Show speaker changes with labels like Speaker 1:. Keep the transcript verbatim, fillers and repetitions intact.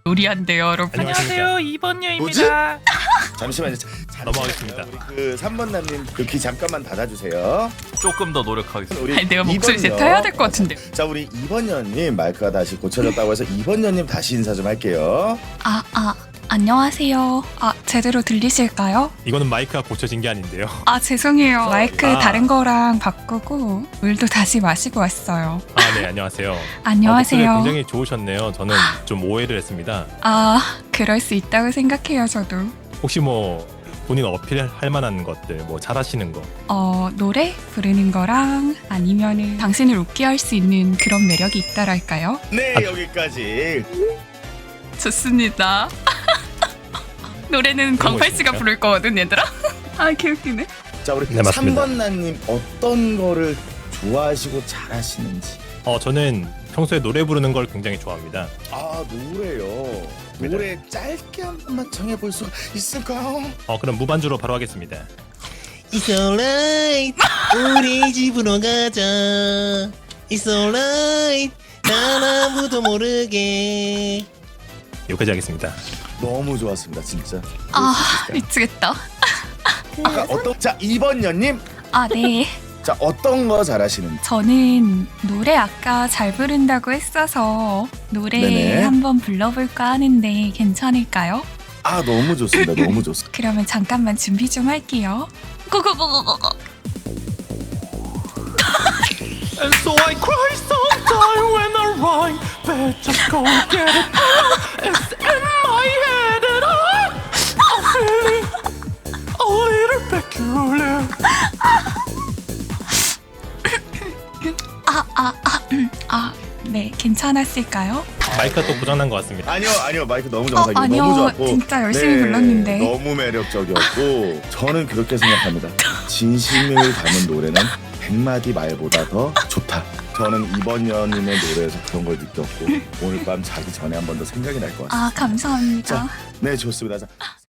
Speaker 1: 요리한대요, 여러분.
Speaker 2: 안녕하세요, 이번녀입니다.
Speaker 3: 잠시만요. 자, 자,
Speaker 2: 넘어가겠습니다.
Speaker 3: 우리 그 삼 번 남님 그 귀 잠깐만 닫아주세요.
Speaker 2: 조금 더 노력하겠습니다.
Speaker 3: 우리
Speaker 1: 아니, 내가 목소리
Speaker 3: 이번 년.
Speaker 1: 세타해야 될 것 같은데.
Speaker 3: 자, 우리 이번 년님 마이크가 다시 고쳐졌다고 해서 이번 년님 다시 인사 좀 할게요.
Speaker 1: 아, 아, 안녕하세요. 아, 제대로 들리실까요?
Speaker 2: 이거는 마이크가 고쳐진 게 아닌데요.
Speaker 1: 아, 죄송해요. 마이크
Speaker 2: 아.
Speaker 1: 다른 거랑 바꾸고 물도 다시 마시고 왔어요.
Speaker 2: 아, 네, 안녕하세요.
Speaker 1: 안녕하세요.
Speaker 2: 아, 목소리가 굉장히 좋으셨네요. 저는 좀 오해를 했습니다.
Speaker 1: 아, 그럴 수 있다고 생각해요, 저도.
Speaker 2: 혹시 뭐 본인 어필할 만한 것들, 뭐 잘하시는 거.
Speaker 1: 어, 노래 부르는 거랑 아니면은 당신을 웃게 할 수 있는 그런 매력이 있다랄까요?
Speaker 3: 네, 여기까지.
Speaker 1: 좋습니다. 노래는
Speaker 2: 그런 거
Speaker 1: 광팔 씨가
Speaker 2: 있습니까?
Speaker 1: 부를 거거든, 얘들아. 아, 개웃기네.
Speaker 3: 자, 우리
Speaker 2: 네, 맞습니다.
Speaker 3: 삼 번 남님 어떤 거를 좋아하시고 잘하시는지.
Speaker 2: 어, 저는 평소에 노래 부르는 걸 굉장히 좋아합니다.
Speaker 3: 아, 노래요. 노래 짧게 한 번만 정해볼 수가 있을까요?
Speaker 2: 어, 그럼 무반주로 바로 하겠습니다.
Speaker 4: It's alright 우리 집으로 가자 It's alright 난 아무도 모르게
Speaker 2: 여기까지 하겠습니다.
Speaker 3: 너무 좋았습니다, 진짜.
Speaker 1: 아, 미치겠다.
Speaker 3: 아까 어떤 자 이번 년님
Speaker 1: 아, 네.
Speaker 3: 자 어떤 거 잘하시는지.
Speaker 1: 저는 노래 아까 잘 부른다고 했어서 노래
Speaker 3: 네네.
Speaker 1: 한번 불러볼까 하는데 괜찮을까요?
Speaker 3: 아, 너무 좋습니다, 너무 좋습니다.
Speaker 1: 그러면 잠깐만 준비 좀 할게요. 고고고고고고.
Speaker 2: And so I cry sometime when I rhyme, but just go get it out. It's in my head and I, I'm feeling a little peculiar.
Speaker 1: 아, 아, 아, 음, 아, 네, 괜찮았을까요?
Speaker 2: 마이크가 또 고장난 것 같습니다.
Speaker 3: 아니요, 아니요, 마이크 너무 정상이에요.
Speaker 1: 어, 아니요,
Speaker 3: 너무 좋았고
Speaker 1: 진짜 열심히 불렀는데.
Speaker 3: 너무 매력적이었고 저는 그렇게 생각합니다. 진심을 담은 노래는 백마디 말보다 더 좋다. 저는 이번 년님의 노래에서 그런 걸 느꼈고 오늘 밤 자기 전에 한 번 더 생각이 날 것 같습니다.
Speaker 1: 아, 감사합니다.
Speaker 3: 네, 좋습니다. 자,